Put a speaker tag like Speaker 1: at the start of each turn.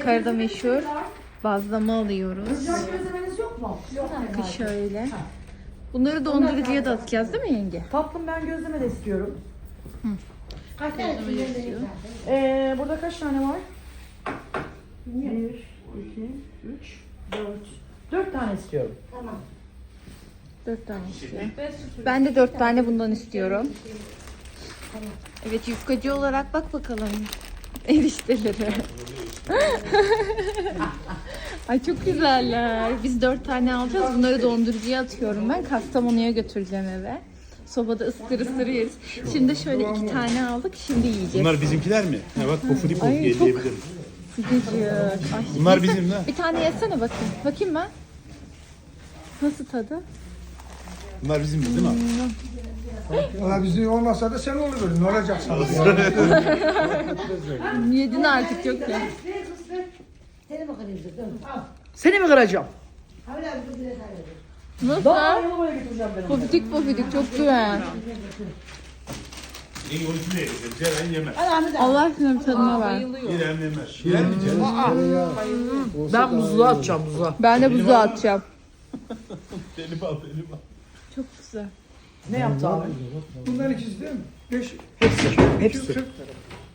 Speaker 1: Ankara'da meşhur bazlama alıyoruz.
Speaker 2: Sıcak gözlemeniz yok mu? Yok.
Speaker 1: Bakın şöyle. Bunları dondurucuya da atacağız değil mi yenge?
Speaker 2: Tatlım ben gözleme de istiyorum.
Speaker 3: Kaç tane istiyor?
Speaker 2: Burada kaç tane var? 1, 2, 3, 4. 4 tane istiyorum.
Speaker 3: Tamam.
Speaker 1: 4 tane istiyor. Ben de 4 tane bundan istiyorum. Evet, yufkacı olarak bak bakalım erişteleri. Ay çok güzeller. Biz 4 tane alacağız. Bunları dondurucuya atıyorum ben. Kastamonu'ya götüreceğim eve. Sobada ısıtır ısıtır yeriz. Şimdi şöyle 2 tane aldık. Şimdi yiyeceğiz.
Speaker 4: Bunlar bizimkiler mi? Ha bak pofuduk
Speaker 1: Ay,
Speaker 4: diye
Speaker 1: çok-
Speaker 4: diyebilirim.
Speaker 1: Sıcacık. Ay,
Speaker 4: Bunlar bizim de.
Speaker 1: bir tane yesene bakayım. Bakayım ben. Nasıl tadı?
Speaker 4: Bunlar bizim değil mi abi?
Speaker 5: Valla bizim olmasa da sen olur. Ne olacak sana?
Speaker 1: Yedin artık yok ya.
Speaker 3: Seni mi kırıyorsun? Dur. Al.
Speaker 2: Seni mi kıracağım?
Speaker 3: Havle abi dur, biraz daha ver.
Speaker 1: Nasıl?
Speaker 2: Daha yanıma getireceğim ben onu.
Speaker 1: Pofidik pofidik çok güzel.
Speaker 4: İyi oyuncu ne yiyecek? Ceren yemez.
Speaker 1: Allah aşkına bir tadına ver.
Speaker 4: Ceren yemez. Yer mi Ceren?
Speaker 2: Ben buzluğa atacağım buzluğa.
Speaker 1: Ben de buzu atacağım.
Speaker 4: Benim al benim al.
Speaker 1: Çok güzel.
Speaker 2: Ne yaptı abi?
Speaker 5: Bunların ikisi değil mi? 5.
Speaker 2: Hepsi. Hepsi.
Speaker 5: 240 lira.